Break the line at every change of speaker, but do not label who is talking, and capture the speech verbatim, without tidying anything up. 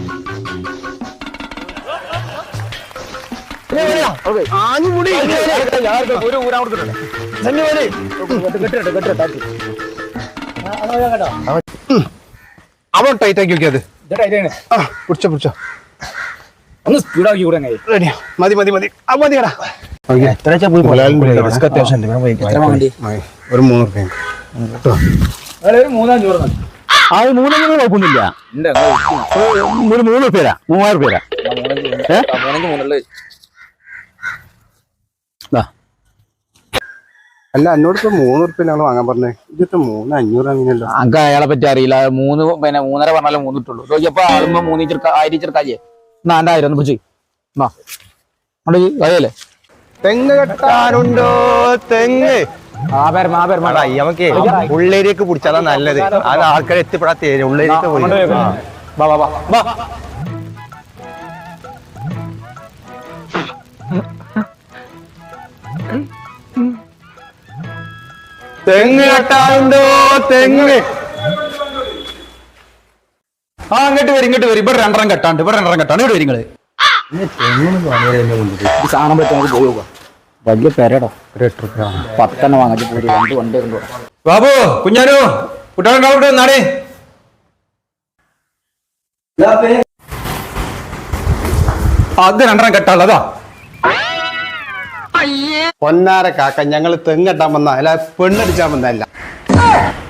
അവൻ ടൈറ്റ് ആക്കി നോക്കിയത് പിടിച്ചോ പിടിച്ചോ
ഒന്ന് സ്പീഡാക്കി കൂടെ
റെഡിയാ മതി മതി മതി ആ മതിയടാ ഒരു മൂന്ന് റുപ്യ
ഒരു മൂന്നാം ചോറ് മതി.
അത് മൂന്നൊന്നും കുഴപ്പമൊന്നുമില്ല. ഒരു മൂന്ന് റുപ്യ മൂവായിരം റുപ്യ
അല്ല എന്നോട് ഇപ്പൊ മൂന്ന് റുപ്യ ഞങ്ങൾ വാങ്ങാൻ പറഞ്ഞേ ഇതിപ്പോ മൂന്ന് അഞ്ഞൂറ് അങ്ങനെയല്ലോ.
അങ്ക അയാളെ പറ്റി അറിയില്ല. മൂന്ന് പിന്നെ മൂന്നര പറഞ്ഞാലും മൂന്നിട്ടുള്ളൂ. നോക്കിയപ്പോ ആളുമ്പോ മൂന്ന് ചെറുക്ക ആയിരം ചെറുക്കാജേ എന്നാ എന്റെ ആയിരം ഒന്ന് പിടിച്ച് എന്നാ അതല്ലേ
തെങ്ങ് കെട്ടാനുണ്ടോ തെങ്ങ് നമുക്ക് ഉള്ളേരിയൊക്കെ പിടിച്ചാലാ നല്ലത്. അത് ആൾക്കാരെ എത്തിപ്പെടാത്ത ഉള്ളേരിയൊക്കെ പോയി
തെങ്ങ് കെട്ടാനുണ്ടോ തെങ്ങ്
ആ അങ്ങോട്ട് വരും ഇങ്ങോട്ട് വരും. ഇവിടെ രണ്ടെണ്ണം കെട്ടാണ്ട് ഇവിടെ രണ്ടെണ്ണം കെട്ടാണ്ട് ഇവിടെ വരും. നിങ്ങള് സാധനം പറ്റി നമുക്ക് പോയി നോക്കാം. വലിയ പെരടോ പത്തെണ്ണം വാങ്ങിച്ച് പോയി രണ്ട് വണ്ടി കൊണ്ടുപോകാം.
ബാബു കുഞ്ഞാനു കുട്ടികളുണ്ടാവട്ടെ നാടേ
അത് രണ്ടെണ്ണം കെട്ടാനുള്ളതാ.
പൊന്നാര കാക്ക ഞങ്ങള് തെങ്ങ് കെട്ടാൻ വന്ന അല്ല പെണ്ണടിച്ചാൻ വന്നല്ല.